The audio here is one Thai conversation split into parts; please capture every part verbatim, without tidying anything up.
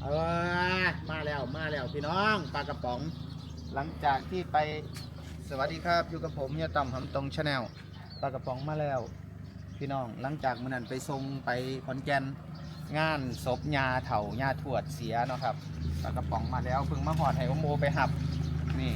ออมาแล้วมาแล้วพี่น้องปลากระป๋องหลังจากที่ไปสวัสดีครับอยู่กับผมเฮียต่ำหำตรงชาแนลปลากระป๋องมาแล้วพี่น้องหลังจากมื้อนั้นไปทรงไปขอนแก่นงานศพญาเฒ่าญาทวดเสียเนาะครับปลากระป๋องมาแล้วเพิ่งมาหอดให้โอโมไปหับนี่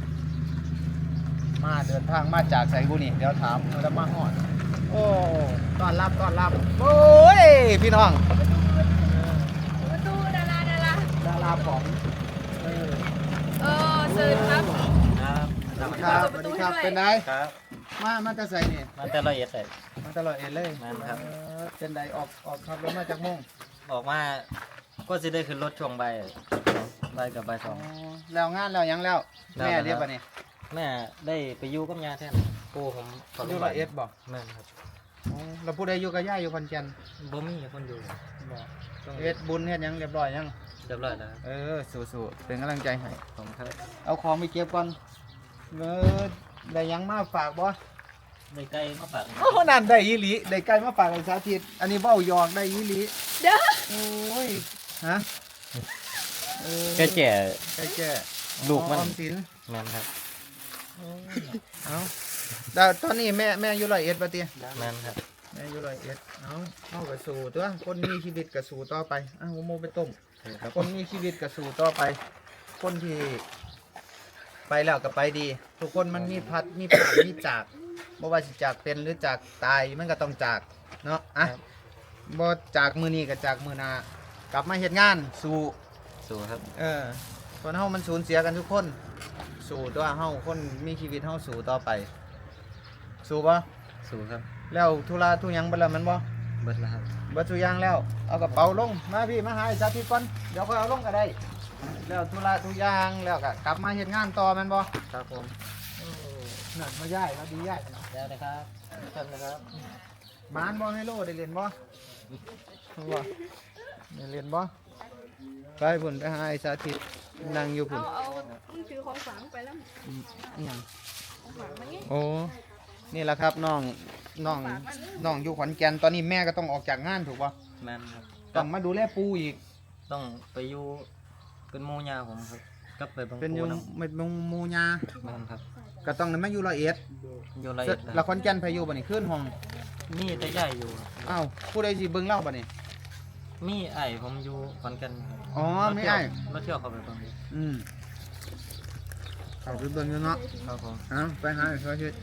มาเดินทางมาจากไสบุรีเดี๋ยวถามแล้วมาหอดโอ้ต้อนรับต้อนรับโอ้ยพี่น้องประตูดาราดาราดาราป๋องเออเออเชิญครับครับสวัสดีครับสวัสดีครับเป็นไงครับมามาจะใส่นี่มันแต่ละเอียดเลยมาตลอดเอ็นเลยแม่นครับเออเป็นไดออกออกขับรถมาจากม่วงออกมาก็จะได้ขึ้นรถช่วงใบใบายกับใบายสอ๋ออง แล้วงานแล้วยังแล้วแล้วแม่แล้วเรียกป่ะนี่แม่ได้ไปอยู่กับยาแทนปู่ผมขอยู่ร้อยเอ็ดบอกแม่นครับอ๋อเราพูดได้อยู่กับย่าอยู่คอนแก่นบ่มีคนอยู่บอกต้องเฮ็ดบุญเฮ็ดหยังเรียบร้อยยังเรียบร้อยแล้วเออสู้ๆเป็นกำลังใจให้ผมครับเอาของไปเก็บก่อนเออได้หยังมาฝากบ่ได้ใกล้มาฝากโอ้นั่นได้อีหลีได้ไก่มาฝากไอ้สาธิตอันนี้เบ้าหยอกได้อีหลีเด้อโอ้ยฮะเออแก่แก่ไก่แก่ลูกมันออมสินแม่นครับเอาแต่ตอนนี้แม่แม่อยู่ร้อยเอ็ดป่ะเตี้ยแม่นครับแม่อยู่ร้อยเอ็ดเอาเอากระสู่ตัวคนมีชีวิตกระสู่ต่อไปอ้าวโมไปต้มครับคนมีชีวิตกระสู่ต่อไป คนที่ไปแล้วก็ไปดี ทุกคนมันมีพัดมีผ่านมีจากบ่ว่าสิจากเป็นหรือจากตายมันก็ต้องจากเนาะอ่ะบ่จากมือนี้ก็จากมือหน้ากลับมาเฮ็ดงานสู่สู้ครับเออคนเฮามันสูญเสียกันทุกคนสู่ตัวเฮาคนมีชีวิตเฮาสู่ต่อไป สู่บ่สู้ครับแล้วธุระทุกหยังเบ่แล้วแมันบ่เบิดแล้วครับเบ่ทุกอย่างแล้วเอากระเป๋าลงมาพี่มาหาไอ้สาธิตก่อนเดี๋ยวค่อยเอาลงก็ได้แล้วธุระทุกอย่างแล้วก็กลับมาเฮ็ดงานต่อแม่นบ่ครับผมนั่นมาย้ายแล้วดีย้ายแล้วนะครับท่านนะครับหมานบ่ให้โลได้เรียนบ่บ่ได้เรียนบ่ไปพุ่นไปหาไอ้สาธิตนั่งอยู่พุ่เอานเอามึงถือของฝังไปแล้วอีหยังของฝังมันไงโอ้ นี่แหละครับน้องน้องน้องอยู่ขอนแก่นตอนนี้แม่ก็ต้องออกจากงานถูกป่ะแม่นครับต้องมาดูแลปูอีกต้องไปอยู่เป็นหมู่ยาผมครับกลับไปบางเป็นอยู่ปูน้ไม่เป็นหมูยาำแม่นครับก็ต้องมาอยู่ร้อยเอ็ดอยู่ละเอียดนะคแล้รัวบขอนแก่นพายุบ่นี่ขึ้นห้องมีแต่ใหญ่อยู่ครับอ้าวผู้ใดสิเบิ่งเล่าบ่นี่มีไอ้ผมอยู่ขอนแก่นครับอ๋อไม่ไอ้รถเที่ยวเขาไปตรงนี้อืมเอาไปเบิ่งอยู่เนาะครับผมเอ้าไปหาไอ้สาธิต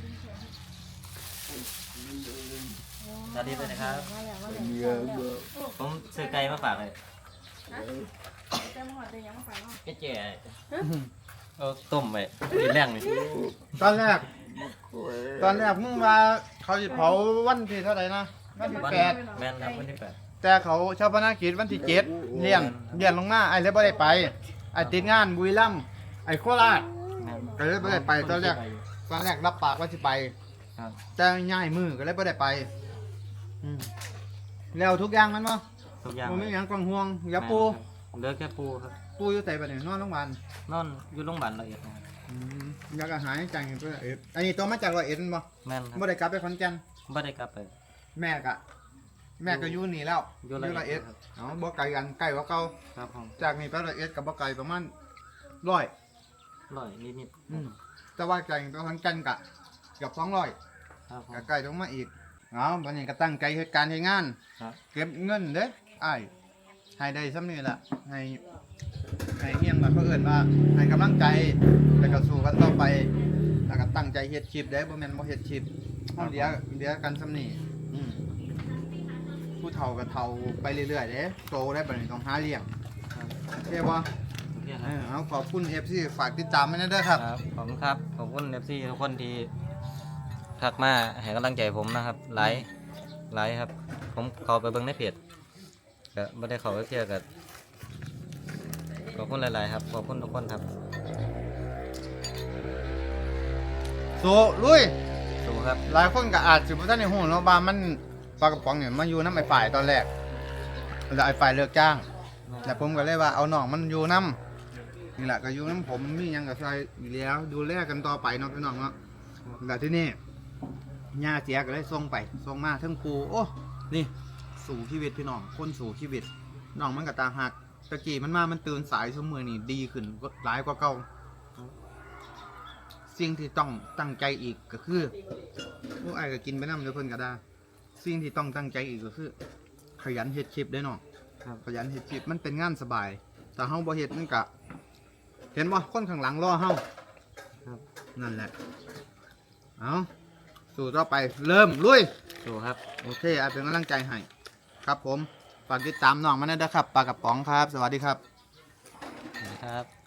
สวัสดีเลยนะครับผมซื้อไก่มาฝากเลยแก้มหัวจะยังมาฝังแก่แก่เออต้มไปกินแรงเลยตอนแรก ตอนแรกมึงว่าเขาสิเผาวันที่เท่าไหร่นะวันที่วันแปดแม่นครับวันที่แปดแต่เขาชาปนกิจวันที่เจ็ดเลี้ยงเลี้ยงลงมาไอ้เลยบ่ได้ไปไอ้ติดงานบุรีรัมย์ไอ้โคราชแม่นก็เลยบ่ได้ไปตอนแรก ตอนแรกรับปากว่าสิไปครับแต่ง่ายมือก็เลยบ่ได้ไปอืมแล้วทุกอย่างมันบ่ทุกอย่างบ่มีหยังกังห่วงอย่าปูเหลือแค่ปูครับปูอยู่ไสบัดนี้นอนโรงพยาบาลนอนอยู่โรงพยาบาลละเอียดนะครับอืมอยากอาหารจังเพิ่นเอ็ดอันนี้ตัวมาจากร้อยเอ็ดแม่นบ่แม่นครับบ่ได้กลับไปขอนแก่นไม่ได้กลับไปแม่ก็แม่ก็อยู่นี่แล้วอยู่ร้อยร้อยเอ็เอ็ดดครับเอ๋อบ่ไกลกันใกล้กว่าเก่าครับผมจากนี่ไปร้อยเอ็ดกับบ่ไกลประมาณร้อยร้อยนิดอืมแต่ว่าไกลไปขอนแก่นก็เกือบสองร้อยๆครับผมก็ใกล้ลงมาอีกเอาบัดนี้ก็ตั้งใจเฮ็ดการเฮ็ดงานครับเก็บเงินเด้ออ้ายให้ได้ซ้ำนี่ล่ะให้ให้เฮียงล่ะเขาเอิ้นว่าให้กำลังใจแล้วก็สู้กันต่อไปแล้วก็ตั้งใจเฮ็ดคลิปเด้อบ่แม่นบ่เฮ็ดคลิปเฮาเดี๋ยวเดี๋ยวกันซ้ำนี่อืมผู้เฒ่าก็เฒ่าไปเรื่อยๆเด้โตได้บัดนี้ต้องหาเลี้ยงครับโอเคบ่โอเคคเอรับอเอาขอบคุณ เอฟ ซี ฝากติดตามไว้นะเด้อครับครับขอบคุณครับขอบคุณเอฟซีทุกคนที่ทักมาให้กำลังใจผมนะครับไลฟ์ไลฟ์ครับ ผมเขาไปเบิ่งในเพจก็ไม่ได้เขาไปเที่ยวกับขอบคุณหลายๆครับขอบคุณทุกคนครับสู้ลุยสู้ครับหลายคนก็อาจสิบ่ทันได้ฮู้เนาะว่ามันปลากระป๋องเนี่ยมาอยู่นำไอ้ฝ่ายตอนแรกแล้วไอ้ฝ่ายเลิกจ้าง แล้วผมก็เลยว่าเอาน้องมันอยู่นํนี่แหละก็อยู่นํผมมีหยังก็ใส่อยู่แล้วดูแลกันต่อไปเนาะพี่น้องเนาะแล้วที่นี่ย่าเสียก็เลยส่งไปส่งมาทั้งครูโอ้นี่สู่ชีวิตพี่น้องคนสู่ชีวิตน้องมันก็ตาหักตะกี้มันมามันตื่นสายชั่วโมงนี่ดีขึ้นหลายกว่าเก่าสิ่งที่ต้องตั้งใจอีกก็คือพวกไอ้ก็กินไปน้ำเดี๋ยวเพิ่นก็ได้สิ่งที่ต้องตั้งใจอีกก็คือ ขยันเฮ็ดคลิปได้เนาะครับขยันเฮ็ดคลิปมันเป็นงานสบาย แต่เฮาบ่เฮ็ดมันก็เห็นบ่คนข้างหลังรอเฮาครับนั่นแหละเอาสู่ต่อไปเริ่มลุยสู้ครับโอเคอาเป็นกำลังใจให้ครับผมฝากติดตามน้องมาด้วยนะครับปลากระป๋องครับ สวัสดีครับครับ